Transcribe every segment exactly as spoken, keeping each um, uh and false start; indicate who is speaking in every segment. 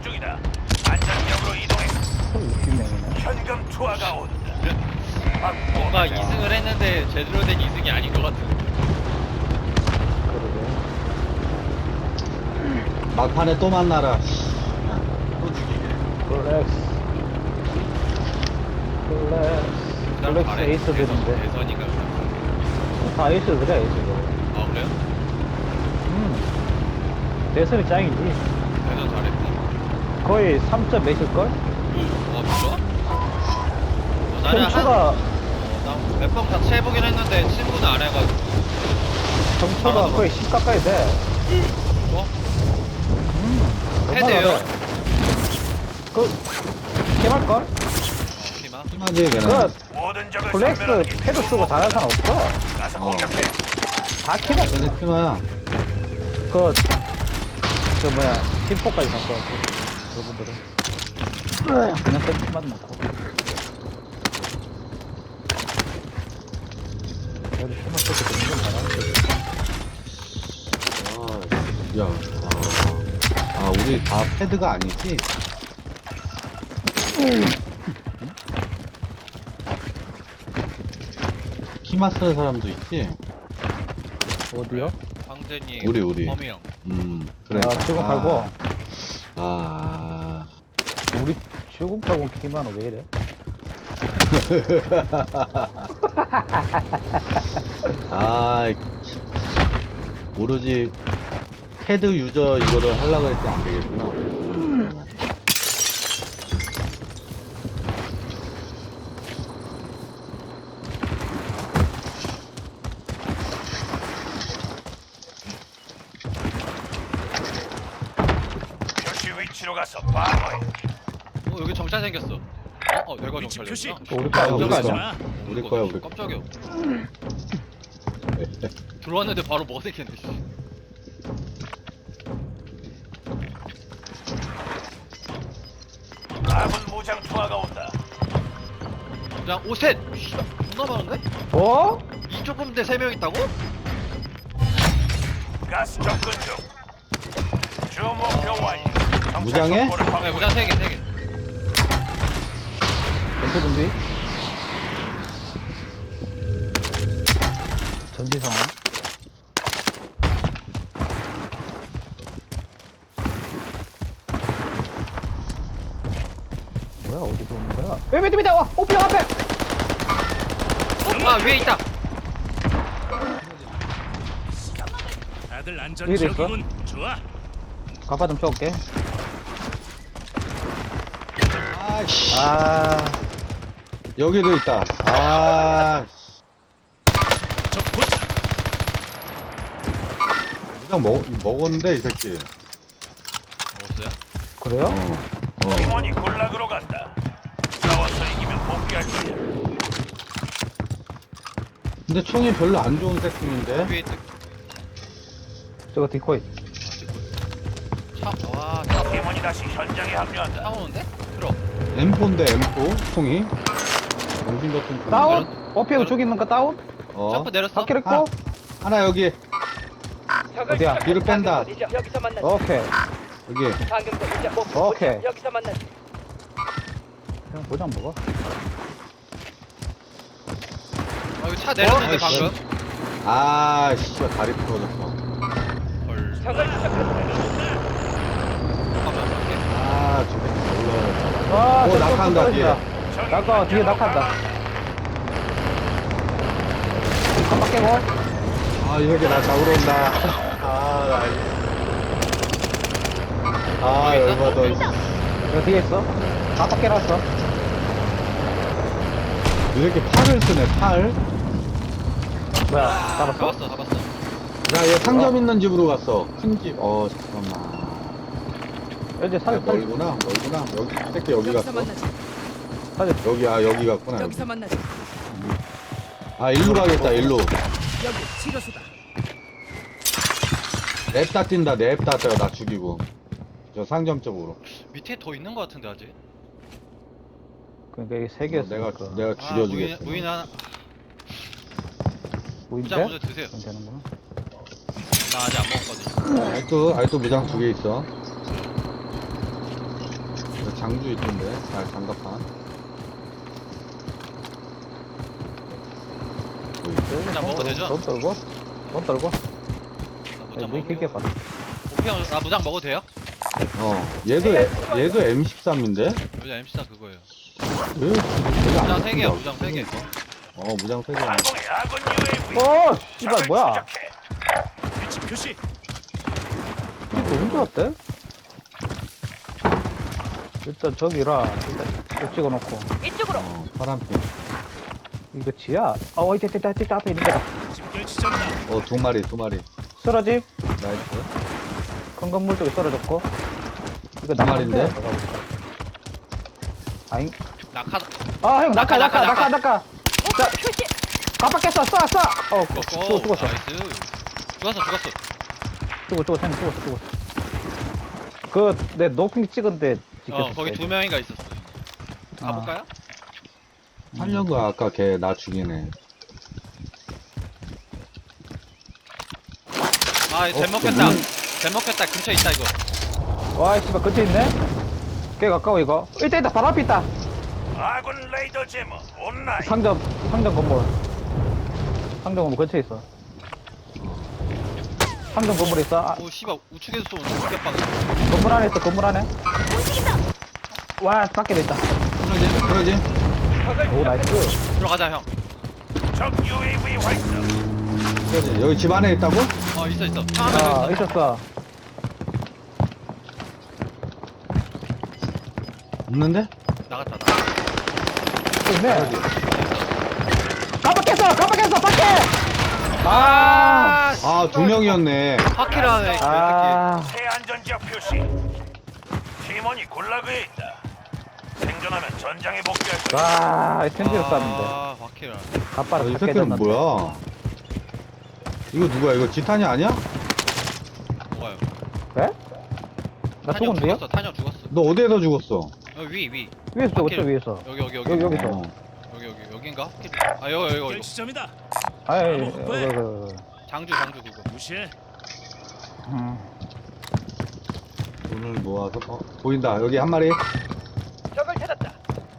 Speaker 1: 접근 중이다. 안전역으로 이동해.
Speaker 2: 육십 명이네.
Speaker 1: 현금 투하가 온다.
Speaker 3: 뭔가 이승을 했는데 제대로 된 이승이 아닌 것 같은.
Speaker 2: 그러게.
Speaker 4: 막판에 또 만나라. 또 죽이게.
Speaker 2: 플렉스. 플렉스. 플렉스 에이스들인데.
Speaker 3: 대선인가?
Speaker 2: 다 에이스들이야, 에이스들.
Speaker 3: 아 그래요?
Speaker 2: 음. 대선이 짱이지.
Speaker 3: 대선 잘했고.
Speaker 2: 거의 삼 점 몇일걸?
Speaker 3: 어 진짜? 어, 나는
Speaker 2: 점수가,
Speaker 3: 한몇번 같이 해보긴 했는데 친구는 안 해가지고.
Speaker 2: 점수가 거의 십 가까이 돼.
Speaker 3: 뭐?
Speaker 2: 음.
Speaker 3: 헤드예요?
Speaker 2: 그, 개말걸?
Speaker 3: 피마?
Speaker 4: 심하지,
Speaker 2: 그,
Speaker 4: 걔는.
Speaker 1: 모든 적을
Speaker 2: 플렉스
Speaker 1: 섬멸하게.
Speaker 2: 패드 쓰고 잘하는 사람 없어.
Speaker 1: 가서
Speaker 4: 어.
Speaker 1: 공격해.
Speaker 2: 다 키가,
Speaker 4: 걔네 피마야.
Speaker 2: 그, 그 뭐야, 팀포까지 갖고 왔고, 그분들은. 그냥 땡키만 넣고. 그래도 팀만 쓰고 되는 건 잘하는데.
Speaker 4: 아, 야. 아, 아, 우리 다 패드가 아니지? 키마 쓰는 사람도 있지?
Speaker 2: 어디요?
Speaker 3: 황제님,
Speaker 4: 우리, 우리.
Speaker 3: 허미 형.
Speaker 4: 음, 그래.
Speaker 2: 아, 지금 팔고.
Speaker 4: 아,
Speaker 2: 우리 출국 팔고 키만 왜 이래?
Speaker 4: 아, 오로지 패드 유저 이거를 하려고 했지 안 되겠구나.
Speaker 1: 표시 위치로 가서 방어해.
Speaker 3: 어 여기 정찰 생겼어. 어? 어 내가 정찰했구나.
Speaker 2: 우리 거야, 우리
Speaker 4: 우리
Speaker 2: 거야.
Speaker 4: 우리 거야, 우리 거.
Speaker 3: 깜짝이야. 들어왔는데 바로 뭐가 생겼네. 씨.
Speaker 1: 아군 무장 투하가 온다.
Speaker 3: 그냥 오셋! 씨발 존나 많은데?
Speaker 2: 어?
Speaker 3: 이 좁은데 세 명 있다고?
Speaker 1: 가스 접근 중. 주 목표 완료. 정찰
Speaker 4: 무장해?
Speaker 1: 정보를
Speaker 3: 네
Speaker 1: 확보해.
Speaker 3: 무장 세 개, 세 개.
Speaker 2: 벤트 준비. 전지 상황. 뭐야, 어디서 오는 거야? 왜, 왜, 왜, 와! 오피어 앞에!
Speaker 3: 아 위에 있다!
Speaker 1: 다들 안전
Speaker 2: 위에도 있어?
Speaker 1: 지역이군. 좋아.
Speaker 2: 가파 좀 쳐올게.
Speaker 4: 아이씨.
Speaker 2: 아,
Speaker 4: 여기도 있다. 아,
Speaker 1: 적 포착.
Speaker 4: 그냥 먹, 먹었는데, 이 새끼.
Speaker 3: 먹었어요?
Speaker 2: 그래요?
Speaker 4: 어. 어.
Speaker 1: 팀원이 군락으로 간다. 싸워서 이기면 복귀할 거야.
Speaker 4: 근데 총이 별로 안 좋은 새끼인데?
Speaker 3: 위에 있다.
Speaker 2: 저거 디코이.
Speaker 3: 차, 와, 차,
Speaker 1: 팀원이 다시 현장에
Speaker 3: 차
Speaker 1: 합류한다.
Speaker 3: 오는데? 들어.
Speaker 4: 엠포인데, 엠포? 총이? 정신 같은 총.
Speaker 2: 다운? 오피어 죽이는 거 다운?
Speaker 4: 어.
Speaker 3: 점프 내렸어?
Speaker 2: 바퀴를
Speaker 4: 하나,
Speaker 2: 꼬?
Speaker 4: 하나 여기.
Speaker 2: 어디야?
Speaker 4: 뒤로 뺀다.
Speaker 5: 여기서 만나자.
Speaker 2: 오케이.
Speaker 4: 여기.
Speaker 5: 방금 거 이제 뭐
Speaker 2: 오케이.
Speaker 5: 여기서 만나자.
Speaker 2: 그냥 보장 먹어.
Speaker 3: 아 여기 차 내렸는데
Speaker 4: 어?
Speaker 3: 방금?
Speaker 4: 아, 씨발, 다리 부러졌어.
Speaker 3: 헐.
Speaker 5: 적을 추적한다.
Speaker 3: 잠깐만 볼게.
Speaker 4: 아, 저기 올라와.
Speaker 2: 와,
Speaker 4: 오,
Speaker 2: 저쪽
Speaker 4: 낙하한다,
Speaker 2: 떨어진다.
Speaker 1: 적이
Speaker 2: 낙하, 뒤에
Speaker 1: 현장으로
Speaker 2: 낙하한다.
Speaker 1: 가라.
Speaker 2: 깜빡 깨고.
Speaker 4: 아, 이 새끼 나 잡으러 온다. 아, 나. 이- 아, 열받아.
Speaker 2: 여기 뒤에 있어. 깜빡 깨놨어.
Speaker 4: 이 새끼 팔을 쓰네, 팔.
Speaker 2: 뭐야, 잡았어?
Speaker 3: 잡았어, 잡았어.
Speaker 4: 야, 얘 상점 있는 집으로 갔어. 큰 집. 어, 잠깐만.
Speaker 2: 이제
Speaker 4: 아,
Speaker 2: 사진 떨
Speaker 4: 멀구나, 멀구나. 여기, 이 새끼 여기
Speaker 5: 여기서
Speaker 4: 갔어.
Speaker 5: 만나자.
Speaker 2: 사진.
Speaker 4: 여기, 아, 여기 갔구나. 여기.
Speaker 5: 여기서 만나자.
Speaker 4: 아, 일로 가겠다, 일로.
Speaker 5: 여기 치료소다.
Speaker 4: 냅다 뛴다, 냅다 뛰어, 나 죽이고. 저 상점 쪽으로.
Speaker 3: 밑에 더 있는 것 같은데 아직?
Speaker 2: 그러니까 이게 세
Speaker 4: 어,
Speaker 2: 개였어.
Speaker 4: 내가, 내가
Speaker 3: 아,
Speaker 4: 죽여주겠어.
Speaker 3: 무인, 무인 하나.
Speaker 2: 보인대?
Speaker 3: 무장 먼저 드세요.
Speaker 2: 그럼 되는구나.
Speaker 3: 나 아직 안 먹었거든.
Speaker 4: 알도, 알도 무장 두 개 있어. 장주 있던데. 아, 장갑판. 뭐 있어?
Speaker 3: 그냥 먹어도 되죠?
Speaker 2: 돈 떨고? 돈 떨고?
Speaker 3: 나
Speaker 2: 야,
Speaker 3: 무장
Speaker 2: 뭐 이렇게
Speaker 3: 먹어.
Speaker 2: 봐.
Speaker 3: 오피 형, 나 무장 먹어도 돼요?
Speaker 4: 어, 얘도, 얘도 엠 십삼인데?
Speaker 3: 무장 엠씨사 그거예요.
Speaker 4: 왜?
Speaker 3: 무장 세 개야, 무장 세 개.
Speaker 4: 어, 무장 세 개.
Speaker 1: 항공의 아군 유에이브이.
Speaker 2: 어! 씨발, 뭐야?
Speaker 5: 위치 표시.
Speaker 2: 이거 언제 왔대? 일단 저기라, 일단 이거 찍어놓고.
Speaker 5: 이쪽으로.
Speaker 4: 어, 파란빛.
Speaker 2: 이거 지야? 어, 이때, 이때, 이때, 앞에 있는 거다.
Speaker 5: 집결 지점이다.
Speaker 4: 어, 두 마리, 두 마리.
Speaker 2: 쓰러짐?
Speaker 4: 나이스.
Speaker 2: 큰 건물 쪽에 쓰러졌고. 이거
Speaker 4: 두 마리인데?
Speaker 2: 나가볼까? 아잉?
Speaker 3: 낙하,
Speaker 2: 아, 형, 낙하,
Speaker 3: 낙하,
Speaker 2: 낙하, 낙하,
Speaker 3: 낙하.
Speaker 2: 낙하. 자,
Speaker 5: 표시.
Speaker 2: 깜빡했어, 쏴, 쏴! 어,
Speaker 3: 죽었고.
Speaker 2: 죽어, 죽었어.
Speaker 3: 나이스. 죽었어, 죽었어.
Speaker 2: 죽어, 죽어, 형, 죽었어, 죽었어. 그, 내 노핑 찍은데 찍혔어.
Speaker 3: 어, 거기 두 명인가 있었어. 가볼까요?
Speaker 4: 하려고 아까 걔 나 죽이네.
Speaker 3: 아, 잼 먹겠다. 잼 먹겠다. 근처에 있다, 이거.
Speaker 2: 와, 씨발, 근처에 있네? 꽤 가까워, 이거. 이때 있다, 바로 앞에 있다.
Speaker 1: 아군 레이더 제모 온라인.
Speaker 2: 상점, 상점 건물. 상점 건물 근처에 있어. 상점 건물에 있어. 아,
Speaker 3: 오, 씨발, 우측에서 쏘는 죽겠다.
Speaker 2: 건물 안에 있어, 건물 안에. 와, 밖에 있다.
Speaker 4: 그러지, 그러지.
Speaker 2: 오, 나이스.
Speaker 3: 들어가자, 형.
Speaker 1: 적 유에이브이 활성.
Speaker 4: 그러지. 여기 집 안에 있다고?
Speaker 3: 어, 있어, 있어. 형, 하나
Speaker 2: 아,
Speaker 3: 더 있어.
Speaker 2: 있었어.
Speaker 4: 없는데?
Speaker 3: 나갔다, 나갔다.
Speaker 2: 또 있네. 깜빡했어, 깜빡했어, 밖에! 아,
Speaker 4: 아, 두 명이었네.
Speaker 3: 파키라네, 그 새끼.
Speaker 2: 아,
Speaker 1: 새 안전지역 표시. 팀원이 굴라그에 있다. 생존하면 전장에 복귀할 거야.
Speaker 2: 와, 텐지를 쐈는데.
Speaker 3: 아, 파키라.
Speaker 2: 갑바를
Speaker 4: 아, 이
Speaker 2: 다
Speaker 4: 새끼는
Speaker 2: 깨졌는데.
Speaker 4: 뭐야? 이거 누구야? 이거 지탄이 아니야?
Speaker 3: 뭐가요?
Speaker 2: 왜? 나
Speaker 3: 탄형
Speaker 2: 죽었는데요?
Speaker 3: 죽었어, 탄형 죽었어.
Speaker 4: 너 어디에서 죽었어?
Speaker 3: 어, 위, 위.
Speaker 2: 위에서 죽었죠,
Speaker 3: 바퀴를-
Speaker 2: 위에서.
Speaker 3: 여기, 여기, 여기.
Speaker 2: 여기, 여기서.
Speaker 4: 어.
Speaker 3: 여기, 여기, 여긴가? 아, 여기, 여기,
Speaker 5: 집결
Speaker 3: 여기.
Speaker 5: 지점이다.
Speaker 2: 아이,
Speaker 5: 뭐,
Speaker 2: 어,
Speaker 5: 왜?
Speaker 2: 그, 그,
Speaker 3: 장주, 장주 그거.
Speaker 5: 무시해.
Speaker 2: 음.
Speaker 4: 돈을 모아서 어, 보인다. 여기 한 마리.
Speaker 5: 적을 찾았다.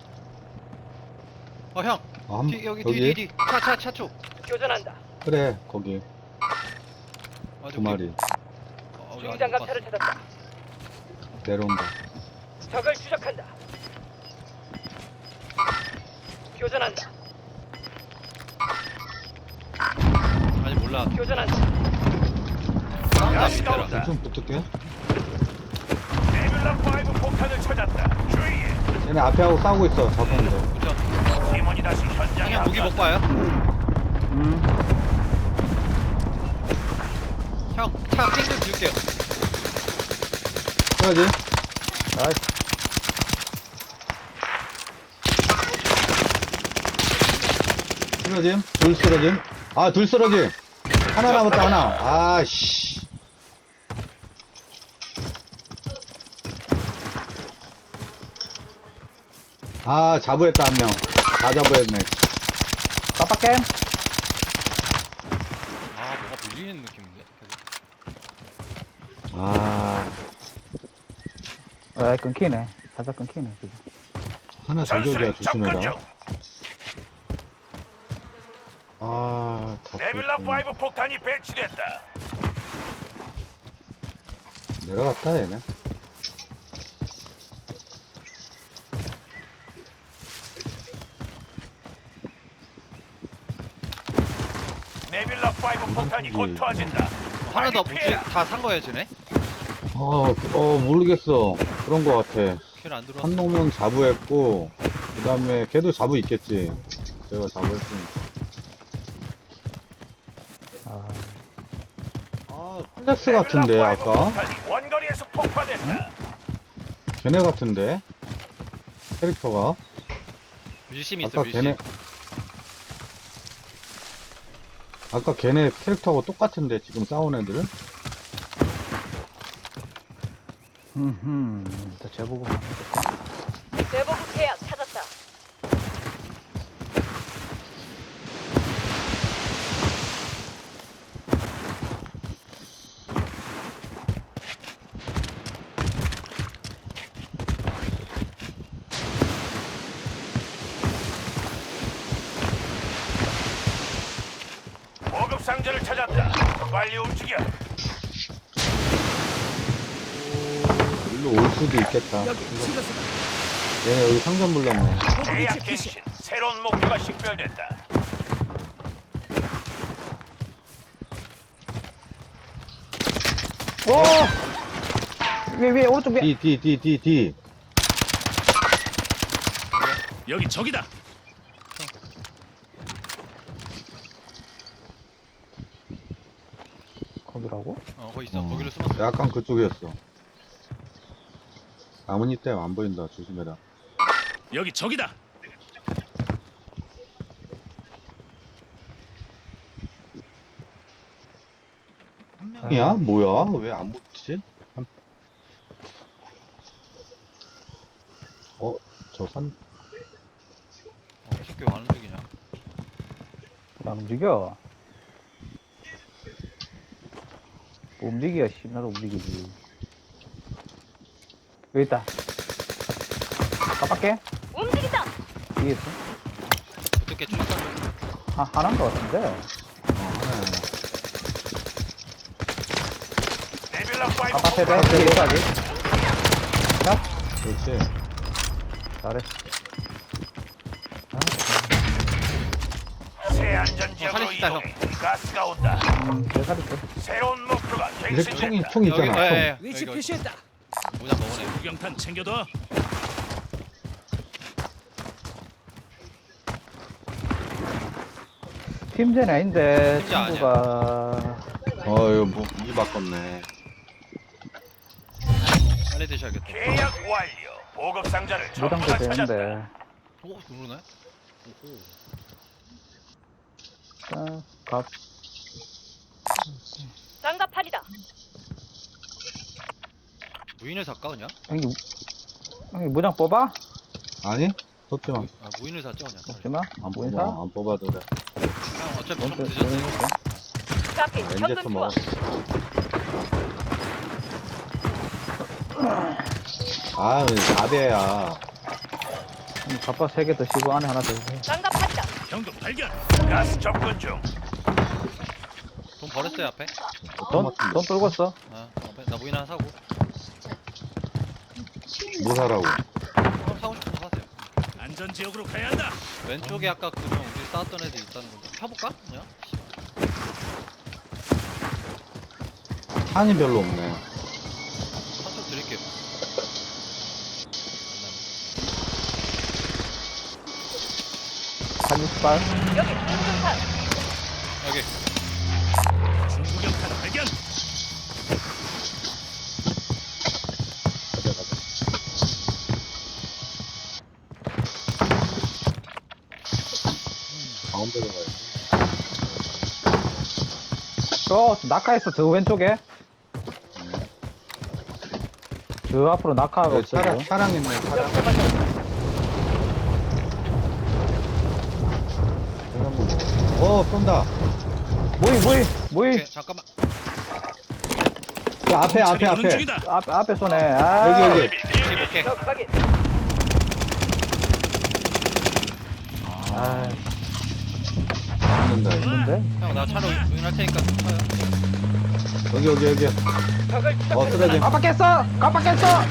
Speaker 3: 어, 형.
Speaker 4: 어, 한,
Speaker 3: 뒤, 여기,
Speaker 4: 여기.
Speaker 3: 뒤, 뒤, 뒤. 차, 차, 차 쪽.
Speaker 5: 교전한다.
Speaker 4: 그래, 거기
Speaker 3: 아,
Speaker 4: 두 마리
Speaker 3: 어, 우리 아직 못
Speaker 5: 중장갑차를
Speaker 3: 봤어.
Speaker 5: 찾았다.
Speaker 4: 내려온다.
Speaker 5: 적을 추적한다. 교전한다.
Speaker 3: 아직 몰라.
Speaker 5: 교전한다.
Speaker 3: 싸운다,
Speaker 1: 가스가
Speaker 3: 밑에라.
Speaker 1: 온다.
Speaker 4: 좀 붙을게.
Speaker 1: 네뷸라 파이브 폭탄을 찾았다. 주의해.
Speaker 4: 얘네 앞에 하고 싸우고 있어. 잡았는데.
Speaker 3: 그죠?
Speaker 1: 팀원이 다시 현장에
Speaker 3: 형님 무기 못
Speaker 1: 앞서.
Speaker 3: 봐요?
Speaker 2: 음.
Speaker 3: 형, 차 핑크 줄게요.
Speaker 4: 그러지.
Speaker 2: 나이스.
Speaker 4: 쓰러짐. 둘 쓰러짐. 아, 둘 쓰러짐. 하나 남았다, 하나. 아씨. 아, 자부했다, 한 명. 다 자부했네.
Speaker 2: 깜빡해.
Speaker 3: 아, 뭐가 밀리는 느낌인데?
Speaker 4: 아,
Speaker 2: 아, 끊기네. 살짝 끊기네, 지금.
Speaker 4: 하나
Speaker 1: 전술에
Speaker 4: 저격이야,
Speaker 1: 접근 중.
Speaker 4: 조심해라. 아, 다
Speaker 1: 네뷸라
Speaker 4: 쏘였구나.
Speaker 1: 파이브 폭탄이 배치됐다.
Speaker 4: 내려갔다, 얘네.
Speaker 1: 네뷸라 파이브 폭탄이 곧 터진다.
Speaker 3: 하나 더
Speaker 1: 빨리
Speaker 3: 무기
Speaker 1: 피해라.
Speaker 3: 다산 거예요, 쟤네?
Speaker 4: 어, 어, 모르겠어. 그런 거 같아.
Speaker 3: 킬안 들어왔어.
Speaker 4: 한 놈은 자부했고, 그 다음에 걔도 자부 있겠지. 제가 자부했으니까.
Speaker 2: 아,
Speaker 4: 아, 플렉스 같은데,
Speaker 1: 네뷸라 파이브
Speaker 4: 아까?
Speaker 1: 폭탄이 원거리에서 폭파됐다.
Speaker 4: 걔네 같은데? 캐릭터가?
Speaker 3: 밀심 있어,
Speaker 4: 아까
Speaker 3: 밀심.
Speaker 4: 걔네, 아까 걔네 캐릭터하고 똑같은데, 지금 싸운 애들은?
Speaker 2: 음, 일단 제보고.
Speaker 5: 대보급 계약 찾았다.
Speaker 1: 상자를 찾았다. 빨리 움직여.
Speaker 4: 일로 올 수도 있겠다.
Speaker 6: 여기 치료소다.
Speaker 4: 얘네 여기 상점 불렀네.
Speaker 1: 계약 갱신. 새로운 목표가 식별됐다.
Speaker 2: 오! 위에, 위에, 오른쪽 위에.
Speaker 4: D, D, D, D, D.
Speaker 1: 여기 적이다.
Speaker 2: 거기라고?
Speaker 3: 어 거기 있어.
Speaker 4: 어,
Speaker 3: 거기로 숨었어.
Speaker 4: 약간 그쪽이었어. 나뭇잎 때문에 안 보인다. 조심해라.
Speaker 1: 여기 적이다.
Speaker 4: 야, 뭐야? 왜 안 붙지? 어, 저 산,
Speaker 3: 어, 이 새끼 왜 안 움직이냐?
Speaker 2: 안 움직여. 뭐 움직여, 씨. 나도 움직이지. 여기 있다. 깜빡해?
Speaker 5: 움직인다.
Speaker 2: 뒤에 있어?
Speaker 3: 어떻게 출산?
Speaker 2: 하, 하나인 것 같은데.
Speaker 4: 어, 하나야.
Speaker 1: 네빌라 파이브.
Speaker 2: 깜빡해, 돼? 뒤에 있어, 아직. 자,
Speaker 4: 그렇지.
Speaker 2: 잘했어.
Speaker 1: 새 안전 지역으로
Speaker 3: 어, 살릴 수 있다,
Speaker 1: 이동해. 가스가 온다.
Speaker 2: 음, 내 살이 있어.
Speaker 1: 새로운 목표가
Speaker 4: 이 새끼 총이,
Speaker 1: 갱신됐다.
Speaker 4: 총
Speaker 3: 여기,
Speaker 4: 있잖아.
Speaker 3: 어,
Speaker 4: 총.
Speaker 3: 예, 예.
Speaker 6: 위치
Speaker 3: 여기, 여기.
Speaker 6: 표시했다.
Speaker 3: 모자 먹으네.
Speaker 1: 구경탄 챙겨둬.
Speaker 2: 팀전이 아닌데,
Speaker 3: 팀전 아니야.
Speaker 2: 친구가.
Speaker 4: 어, 이거 뭐, 이 바꿨네.
Speaker 3: 빨리 드셔야겠다.
Speaker 1: 계약 완료. 보급 상자를 전부
Speaker 2: 무당도
Speaker 1: 다 찾았다.
Speaker 2: 되는데.
Speaker 3: 오 그러네. 오호.
Speaker 2: 자, 갑.
Speaker 5: 장갑판이다.
Speaker 3: 무인을 살까 그냥?
Speaker 2: 형님, 형님 무장 뽑아?
Speaker 4: 아니? 쏟지 마.
Speaker 3: 아 무인을 사죠 그냥.
Speaker 2: 뽑지 마.
Speaker 4: 안
Speaker 2: 무인
Speaker 4: 뽑아.
Speaker 2: 사?
Speaker 4: 안 뽑아도 돼.
Speaker 3: 형 어차피 좀
Speaker 2: 뭔데,
Speaker 3: 늦었으니까.
Speaker 5: 잡힌
Speaker 4: 렌제터
Speaker 5: 현금
Speaker 4: 먹어.
Speaker 5: 투하.
Speaker 4: 아, 사 대야.
Speaker 2: 갑바 세 개 드시고 안에 하나 더 주세요.
Speaker 5: 장갑판이다.
Speaker 1: 경도 발견. 가스 접근 중.
Speaker 3: 돈 버렸어요 앞에.
Speaker 2: 돈, 돈 떨고 있어.
Speaker 3: 아 앞에 나 무인 하나 사고.
Speaker 4: 뭐 사라고?
Speaker 3: 어, 사고 싶은 거 사세요.
Speaker 1: 안전 지역으로 가야 한다.
Speaker 3: 왼쪽에 아까 그냥 우리 싸웠던 애들 있다는 건데 펴볼까? 그냥?
Speaker 4: 탄이 별로 없네.
Speaker 3: 한쪽 드릴게요.
Speaker 2: 한이발
Speaker 5: 여기 중중탄.
Speaker 3: 여기.
Speaker 1: 중구경탄 발견.
Speaker 4: 가자, 가자. 가운데로 가야지.
Speaker 2: 저 낙하했어. 저 왼쪽에. 저 앞으로 낙하가
Speaker 4: 여기
Speaker 2: 없어.
Speaker 4: 차량, 차량 있네, 차량. 어, 쏜다.
Speaker 2: 모이 모이 모이.
Speaker 3: 오케이 잠깐만.
Speaker 4: 그 앞에, 앞에, 앞에.
Speaker 1: 중이다.
Speaker 2: 앞 앞에 쏘네. 아.
Speaker 4: 여기, 여기.
Speaker 3: 오케이 오케이.
Speaker 5: 적 확인.
Speaker 2: 아,
Speaker 4: 죽는다, 이거.
Speaker 2: 있는데?
Speaker 3: 형 나 차로 무인할 테니까 타요.
Speaker 4: 여기, 여기, 여기.
Speaker 5: 적을
Speaker 4: 어,
Speaker 5: 추적한다.
Speaker 4: 쓰러짐.
Speaker 2: 깜빡했어. 깜빡했어.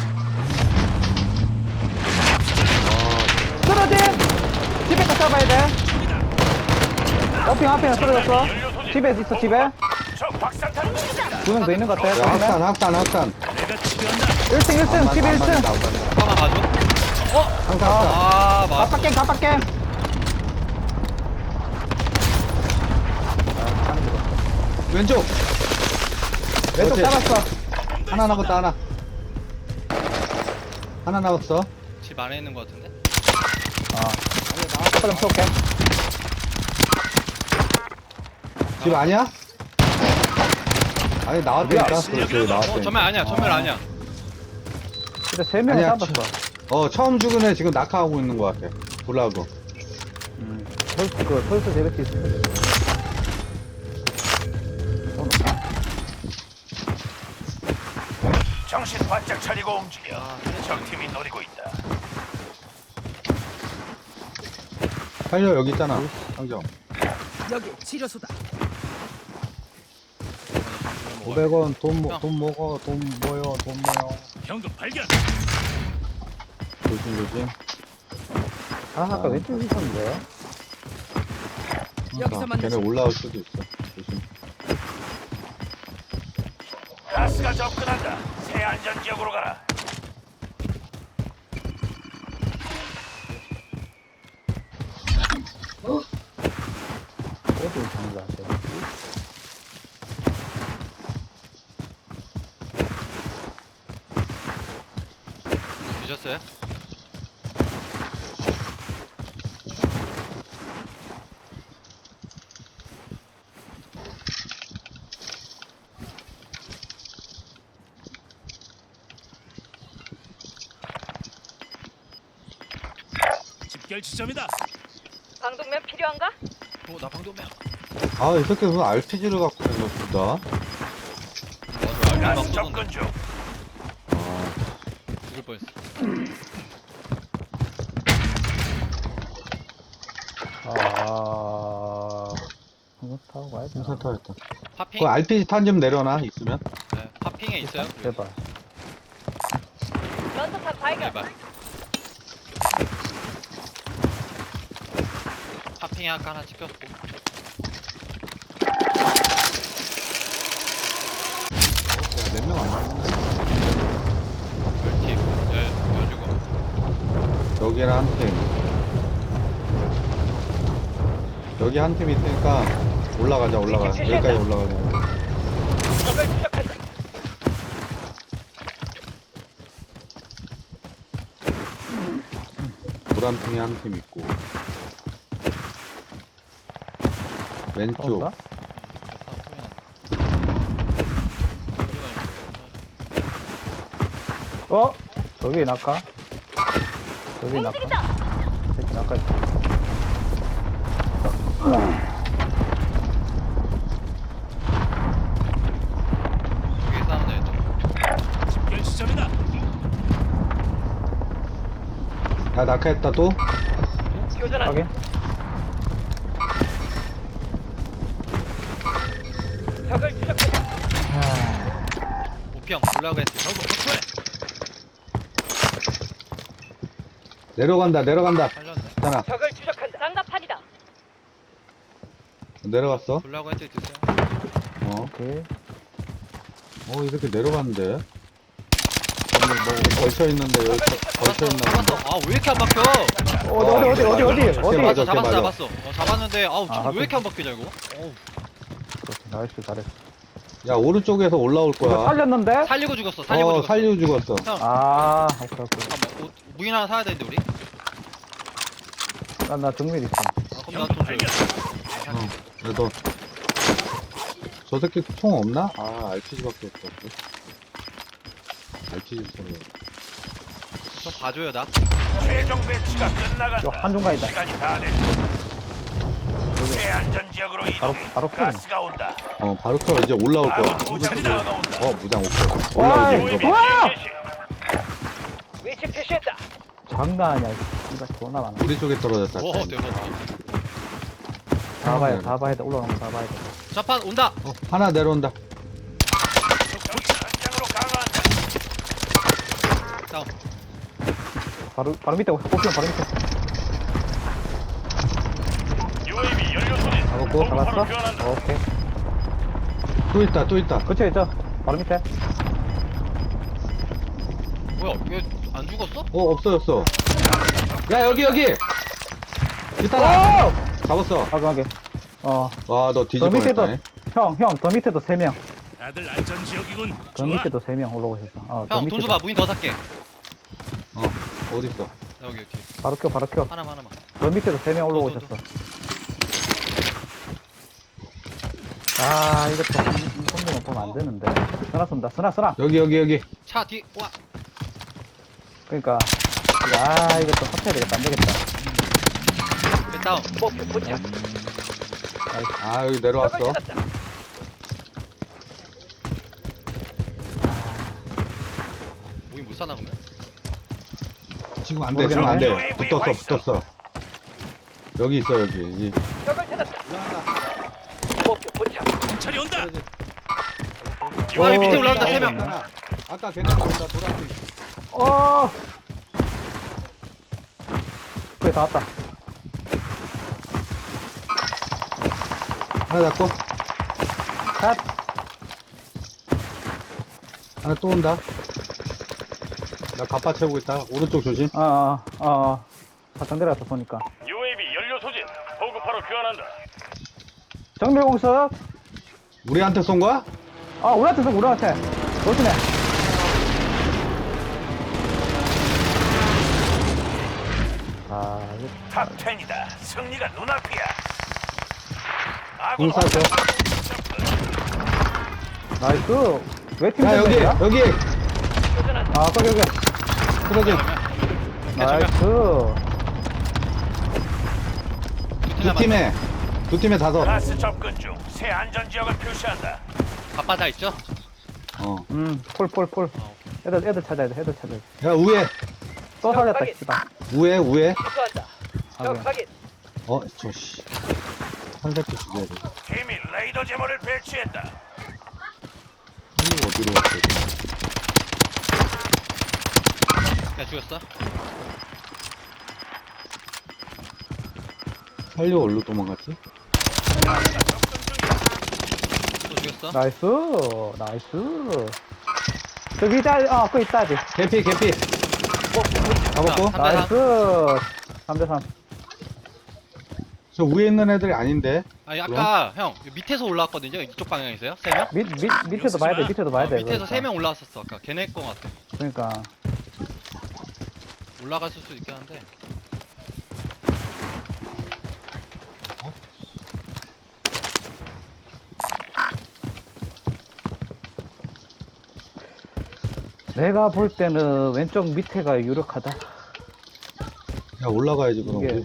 Speaker 2: 쓰러짐. 집에 가 잡아야 돼. 어핑 앞에 쓰러졌어. 집에 있어 집에.
Speaker 1: 저 박사탄 중이다.
Speaker 2: 두 명 더 있는 것 같아.
Speaker 4: 야, 학산, 학산, 학산.
Speaker 1: 내가 치료한다.
Speaker 2: 일 층 일 층 집에 일 층.
Speaker 3: 잠깐만 가줘.
Speaker 4: 항상, 항상.
Speaker 3: 아 맞아.
Speaker 2: 깜빡게 깜빡게.
Speaker 4: 왼쪽.
Speaker 2: 왼쪽
Speaker 4: 그렇지.
Speaker 2: 잡았어.
Speaker 4: 하나 남았다, 하나. 하나 남았어.
Speaker 3: 집 안에 있는 거 같은데?
Speaker 2: 아. 좀 쏠게.
Speaker 4: 집 아니야? 아니, 나왔다니까. 그렇지,
Speaker 3: 어
Speaker 4: 나왔다니까.
Speaker 3: 전멸 아니야 전멸 아니야.
Speaker 2: 근데 세 명을
Speaker 4: 아니야,
Speaker 2: 잡았어.
Speaker 4: 어, 처음 죽은 애 지금 낙하하고 있는 것 같아. 불라고.
Speaker 2: 음. 털스 그 털스 제베티 있어.
Speaker 1: 정신 바짝 차리고 움직여. 적팀이 노리고 있다.
Speaker 4: 살려, 여기 있잖아. 상점.
Speaker 6: 여기 치료소다.
Speaker 3: 먹어.
Speaker 2: 오백 원 돈, 모-
Speaker 3: 형.
Speaker 2: 돈 먹어 돈 모여 돈 모여.
Speaker 1: 현금 발견.
Speaker 4: 조심, 조심.
Speaker 2: 아 아까 왼쪽에 있었는데.
Speaker 4: 그러니까 걔네 올라올 수도 있어. 조심.
Speaker 1: 가스가 접근한다. 새 안전 지역으로 가라.
Speaker 2: 어디 장사하세요?
Speaker 3: 드셨어요?
Speaker 1: 집결 지점이다.
Speaker 5: 방독면 필요한가?
Speaker 3: 어, 나 방독면.
Speaker 4: 아, 이 새끼 무슨 알피지를 갖고 있는 거다.
Speaker 3: 나도
Speaker 1: 가스
Speaker 3: 알고
Speaker 1: 접근 중.
Speaker 4: 아,
Speaker 3: 죽을 뻔했어.
Speaker 2: 아 이거 타고 가야 돼.
Speaker 4: 풍선 터졌다.
Speaker 3: 파핑?
Speaker 4: 그 알피지 탄 좀 내려놔, 있으면.
Speaker 3: 네, 파핑에 있어요?
Speaker 2: 제발.
Speaker 5: 런터탄 발견.
Speaker 3: 제발. 파핑에 아까 하나 찍혔고.
Speaker 4: 야, 몇 명 안 남았네.
Speaker 3: 물팁. 네, 여주고.
Speaker 4: 여기랑 한 팀. 여기 한 팀 있으니까 올라가자, 올라가. 여기까지 올라가자.
Speaker 5: 적을 추적한다.
Speaker 4: 노란 팀이 한 팀 있고. 왼쪽.
Speaker 2: 없어? 어? 저기 낙하? 저기 낙하?
Speaker 5: 움직인다.
Speaker 2: 저기 낙하 있어.
Speaker 3: 여기 싸우는 애들.
Speaker 1: 집결 지점이다.
Speaker 4: 야, 낙하했다, 또?
Speaker 5: 교전한다.
Speaker 2: 확인?
Speaker 5: 적을 추적한다.
Speaker 3: 오피형 올라가 했어. 저거 확보해.
Speaker 4: 내려간다, 내려간다.
Speaker 3: 살렸네.
Speaker 4: 있잖아.
Speaker 5: 적을 추적한다. 장갑판이다.
Speaker 4: 내려갔어.
Speaker 3: 올라가 했더니 드세요.
Speaker 4: 어.
Speaker 2: 오케이.
Speaker 4: 어, 이렇게 내려갔는데. 걸쳐 있는데, 여기 걸쳐 있나 본데.
Speaker 3: 잡았어. 아, 왜 이렇게 안 박혀?
Speaker 2: 어디 어디 어디 어디 어디
Speaker 4: 걔
Speaker 2: 어디?
Speaker 4: 맞아, 걔
Speaker 3: 잡았어,
Speaker 4: 맞아.
Speaker 3: 잡았어. 어, 잡았는데, 아우,
Speaker 2: 아,
Speaker 3: 지금
Speaker 2: 하긴.
Speaker 3: 왜 이렇게 안 박히냐, 이거? 어우,
Speaker 2: 그렇지, 나이스 잘했어.
Speaker 4: 야, 오른쪽에서 올라올
Speaker 2: 이거
Speaker 4: 거야.
Speaker 2: 살렸는데?
Speaker 3: 살리고 죽었어, 살리고
Speaker 4: 어,
Speaker 3: 죽었어.
Speaker 4: 살리고 죽었어.
Speaker 3: 형,
Speaker 2: 아 오케이 오케이.
Speaker 3: 잠깐만, 옷, 무인 하나 사야 되는데, 우리?
Speaker 2: 나, 나 정밀 있어.
Speaker 3: 아, 그럼 나돈
Speaker 1: 발견.
Speaker 3: 줘.
Speaker 4: 어, 그래도. 저 새끼 총 없나? 아, 알피지밖에 없어. 알피지 소리.
Speaker 3: 좀 봐줘요, 나.
Speaker 1: 최종 배치가
Speaker 2: 저
Speaker 1: 끝나간다.
Speaker 2: 한중간이다.
Speaker 1: 시간이 다 됐다. 새 안전 지역으로
Speaker 2: 바로
Speaker 1: 이동해.
Speaker 2: 바로 푸는.
Speaker 1: 가스가 온다.
Speaker 4: 어, 바로 켜. 이제 올라올 거야.
Speaker 1: 아군 무장이 다가온다.
Speaker 4: 어, 무장 오케이.
Speaker 2: 와,
Speaker 4: 올라오지,
Speaker 1: 유에이비
Speaker 4: 이거.
Speaker 2: 와!
Speaker 1: 지원 개시.
Speaker 5: 위치 표시했다.
Speaker 2: 장난 아니야. 이거 존나 많아.
Speaker 4: 우리 쪽에 떨어졌다.
Speaker 3: 오, 대박.
Speaker 2: 다 봐야 돼, 다 봐야 돼. 올라가는 거 다 봐야 돼.
Speaker 3: 자판 온다!
Speaker 4: 어, 하나 내려온다.
Speaker 1: 현장으로 강화한다.
Speaker 3: 다운.
Speaker 2: 바로 바로 밑에 뽑히면 바로 밑에.
Speaker 1: 유에이비 연료 소진.
Speaker 4: 잡았고,
Speaker 2: 잡았어?
Speaker 1: 교환한다.
Speaker 2: 오케이.
Speaker 4: 또 있다, 또 있다.
Speaker 2: 그쵸 있죠. 바로 밑에.
Speaker 3: 뭐야, 얘 안 죽었어?
Speaker 4: 어, 없어졌어. 야, 여기, 여기! 있잖아.
Speaker 2: 오!
Speaker 4: 잡았어.
Speaker 2: 과감하게. 어.
Speaker 4: 와, 너
Speaker 2: 더
Speaker 4: 뒤집어
Speaker 2: 밑에도
Speaker 4: 냈네.
Speaker 2: 형, 형, 더 밑에도 세 명.
Speaker 1: 다들 안전 지역이군.
Speaker 2: 더 밑에도 세 명 올라오고 있어. 어, 더
Speaker 3: 형, 돈
Speaker 2: 밑에도.
Speaker 3: 줘봐, 무인 더 살게.
Speaker 4: 어, 어딨어?
Speaker 3: 여기, 여기.
Speaker 2: 바로 켜, 바로 켜.
Speaker 3: 하나만, 하나만.
Speaker 2: 더 밑에도 세 명 올라오고
Speaker 3: 더, 더,
Speaker 2: 있었어. 아, 이것도 한 손으로 보면 안 되는데. 쓰나 쏜다, 쓰나, 쓰나.
Speaker 4: 여기, 여기, 여기.
Speaker 3: 차 뒤, 와!
Speaker 2: 그러니까. 아, 이것도 합쳐야 되겠다, 안 되겠다.
Speaker 3: 배 다운.
Speaker 5: 목표 포착.
Speaker 4: 아, 여기
Speaker 5: 적을
Speaker 4: 내려왔어.
Speaker 5: 찾았다.
Speaker 3: 무인 못 사나, 그러면?
Speaker 4: 지금 안 돼, 지금 안 돼.
Speaker 1: 모르겠네.
Speaker 4: 붙었어, 붙었어. 여기 있어, 여기. 이.
Speaker 5: 적을 찾았다. 목표 포착.
Speaker 1: 경찰이 온다.
Speaker 3: 와, 여기 밑에
Speaker 2: 어,
Speaker 3: 올라온다, 세 명.
Speaker 4: 있잖아. 아까 걔네 보다 노란색.
Speaker 2: 어! 그래, 다 왔다.
Speaker 4: 하나 잡고,
Speaker 2: 샷!
Speaker 4: 하나 또 온다. 나 갑바 채우고 있다. 오른쪽 조심.
Speaker 2: 어, 어, 어, 어. 사탕 내려갔다, 보니까.
Speaker 1: 유에이비 연료 소진. 보급하러 교환한다.
Speaker 2: 정밀공습!
Speaker 4: 우리한테 쏜 거야?
Speaker 2: 아, 우리한테 서 우리한테. 조심해. 아, 이거
Speaker 1: 탑 텐이다. 승리가 눈앞이야.
Speaker 4: 공
Speaker 1: 아군
Speaker 4: 쏴줘.
Speaker 2: 나이스. 왜팀
Speaker 4: 야, 여기, 여기!
Speaker 5: 교전한다.
Speaker 2: 아, 거기, 여기.
Speaker 4: 쓰러져.
Speaker 2: 나이스.
Speaker 4: 두 팀에, 두 팀에 다섯.
Speaker 1: 가스 접근 중. 새 안전 지역을 표시한다.
Speaker 3: 바빠다 있죠?
Speaker 4: 어.
Speaker 2: 음, 폴, 폴, 폴. 애들, 애들 찾아야 돼, 애들 찾아야 돼.
Speaker 4: 야, 우에,
Speaker 2: 또 살렸다, 씨발.
Speaker 4: 우에, 우에.
Speaker 5: 수소한다.
Speaker 2: 아,
Speaker 5: 적
Speaker 2: 그래.
Speaker 5: 확인.
Speaker 4: 어, 저, 씨. 한 새끼 죽여야 돼.
Speaker 1: 팀이 레이더 제모를 배치했다.
Speaker 4: 이거 어디로 왔어?
Speaker 3: 야, 죽였어?
Speaker 4: 살려, 어디로 도망갔지?
Speaker 3: 또 죽였어?
Speaker 2: 나이스, 나이스. 저 위자, 아, 그거 있다, 아직.
Speaker 4: 개피, 개피. 잡았고?
Speaker 3: 삼 대 삼.
Speaker 2: 나이스. 삼 대 삼.
Speaker 4: 저 위에 있는 애들이 아닌데?
Speaker 3: 아니, 아까 형 밑에서 올라왔거든요. 이쪽 방향이세요? 세 명?
Speaker 2: 밑, 밑, 밑에도 봐야 돼, 밑에도 봐야
Speaker 3: 어,
Speaker 2: 돼.
Speaker 3: 밑에서
Speaker 2: 그러니까.
Speaker 3: 세 명 올라왔었어. 아까 걔네 거 같아.
Speaker 2: 그러니까.
Speaker 3: 올라갔을 수도 있긴 한데.
Speaker 2: 내가 볼 때는 왼쪽 밑에가 유력하다.
Speaker 4: 야, 올라가야지, 그럼.
Speaker 2: 이게.
Speaker 4: 우리.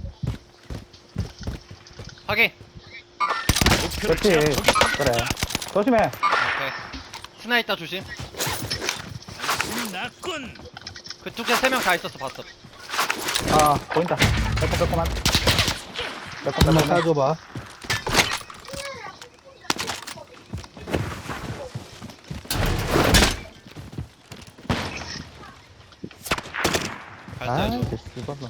Speaker 3: 확인.
Speaker 2: 그렇지. 그래. 조심해.
Speaker 3: 오케이. 스나 있다 조심.
Speaker 1: 났군.
Speaker 3: 그쪽에 세 명 다 있었어 봤어.
Speaker 2: 아, 보인다. 빼꼼빼꼼한.
Speaker 4: 한번
Speaker 2: 빼꼼빼꼼한.
Speaker 4: 따줘봐.
Speaker 2: 아,
Speaker 3: 발사해줘.
Speaker 2: 됐어, 이거는.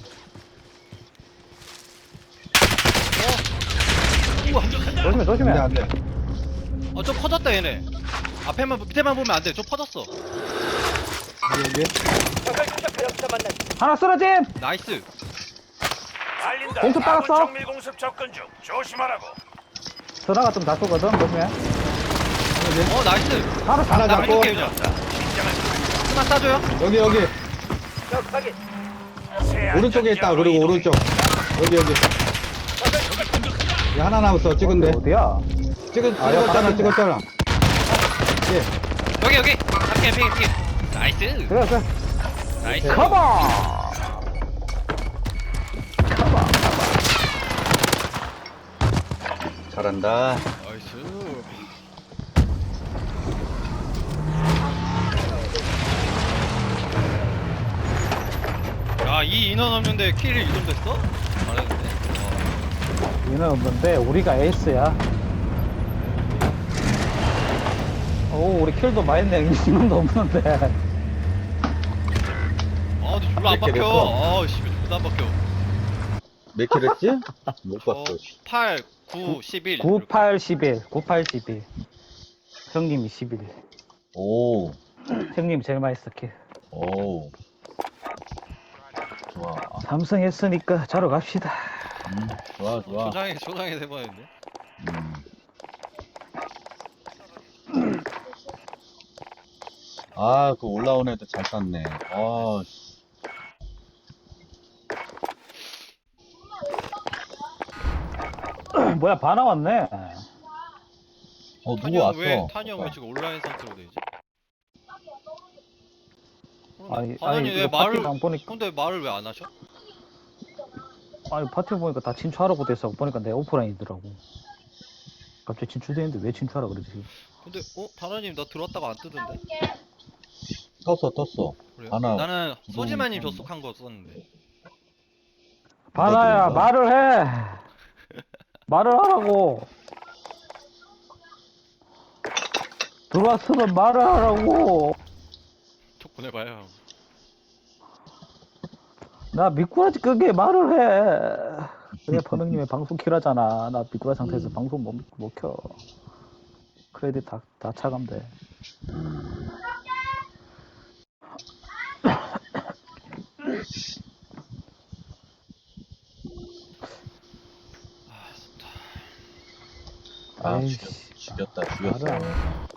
Speaker 3: 우와.
Speaker 2: 조심해, 조심해.
Speaker 4: 안 돼, 안 돼.
Speaker 3: 어, 좀 퍼졌다 얘네. 앞에만 밑에만 보면 안 돼. 좀 퍼졌어.
Speaker 4: 여기, 여기.
Speaker 5: 적을 추적하여 만난.
Speaker 2: 하나 쓰러짐!
Speaker 3: 나이스.
Speaker 1: 알린다.
Speaker 2: 공습
Speaker 1: 아군
Speaker 2: 받았어?
Speaker 1: 정밀 공습 접근 중. 조심하라고.
Speaker 2: 전화가 좀 다쏘거든, 조심해.
Speaker 3: 어 나이스.
Speaker 2: 하나
Speaker 4: 하나
Speaker 3: 나
Speaker 4: 잡고.
Speaker 3: 이렇게 그냥.
Speaker 1: 긴장을
Speaker 3: 스나 싸줘요.
Speaker 4: 여기, 여기.
Speaker 5: 적 확인.
Speaker 1: 새
Speaker 4: 오른쪽에
Speaker 1: 안전
Speaker 4: 있다.
Speaker 1: 지역으로
Speaker 4: 그리고
Speaker 1: 이동해.
Speaker 4: 오른쪽. 여기, 여기.
Speaker 5: 적을 추적한다.
Speaker 4: 야, 하나 남았어. 찍은데.
Speaker 2: 어디야?
Speaker 4: 찍은,
Speaker 2: 아, 야,
Speaker 4: 찍었잖아,
Speaker 2: 바로
Speaker 4: 찍었잖아. 예.
Speaker 3: 여기 여기. 피해 피해 피해. 나이스.
Speaker 2: 그래, 그래.
Speaker 3: 나이스.
Speaker 2: 컴온!
Speaker 4: 잘한다.
Speaker 3: 나이스. 야, 이 인원 없는데 킬이 이 정도 됐어? 잘했는데. 어.
Speaker 2: 얘는 없는데, 우리가 에이스야. 오, 우리 킬도 많이 했네. 인원도 없는데.
Speaker 3: 아, 근데 졸라 안
Speaker 4: 이렇게
Speaker 3: 박혀.
Speaker 4: 됐어.
Speaker 3: 아, 씨, 졸라 안 박혀.
Speaker 4: 몇 킬 했지? 못
Speaker 3: 저
Speaker 4: 봤어.
Speaker 3: 팔, 구, 십일.
Speaker 2: 구, 팔, 십일. 구, 팔, 십일. 형님이 십일.
Speaker 4: 오,
Speaker 2: 형님 제일 많이 했어, 킬.
Speaker 4: 오. 좋아.
Speaker 2: 삼성 했으니까 자러 갑시다.
Speaker 4: 음, 좋아, 좋아.
Speaker 3: 초장에, 초장에 대박인데.
Speaker 4: 음. 아, 그 올라온 애들 잘 땄네. 아, 씨.
Speaker 2: 뭐야, 바 나왔네.
Speaker 4: 어, 누구
Speaker 3: 탄이 형
Speaker 4: 왔어?
Speaker 3: 왜, 탄이 형 왜 지금 온라인 상태로 돼 있지?
Speaker 2: 아니,
Speaker 3: 바나니
Speaker 2: 아니,
Speaker 3: 왜
Speaker 2: 이거
Speaker 3: 말을,
Speaker 2: 파티가 안 보니까,
Speaker 3: 근데 말을 왜 안 하셔?
Speaker 2: 아니, 파티 보니까 다 친추하라고 돼서 보니까 내 오프라인이더라고. 갑자기 친추돼 있는데 왜 친추하라 그러지?
Speaker 3: 근데, 어? 바나님 나 들어왔다가 안 뜨던데?
Speaker 4: 떴어, 떴어.
Speaker 3: 그래요?
Speaker 4: 하나,
Speaker 3: 나는
Speaker 4: 구독
Speaker 3: 소지마님
Speaker 4: 떴네.
Speaker 3: 접속한 거 썼는데.
Speaker 2: 바나야,
Speaker 4: 들어온다.
Speaker 2: 말을 해! 말을 하라고! 들어왔으면 말을 하라고.
Speaker 3: 톡 보내봐요.
Speaker 2: 나 미꾸라지 끄게 말을 해. 그게 퍼명님의 방송 키라잖아. 나 미꾸라 상태에서 방송 못, 못 켜. 크레딧 다, 다 차감돼.
Speaker 4: 아,
Speaker 2: 에이씨,
Speaker 4: 죽였, 죽였다,
Speaker 2: 말을 안
Speaker 4: 죽였어.
Speaker 2: 해.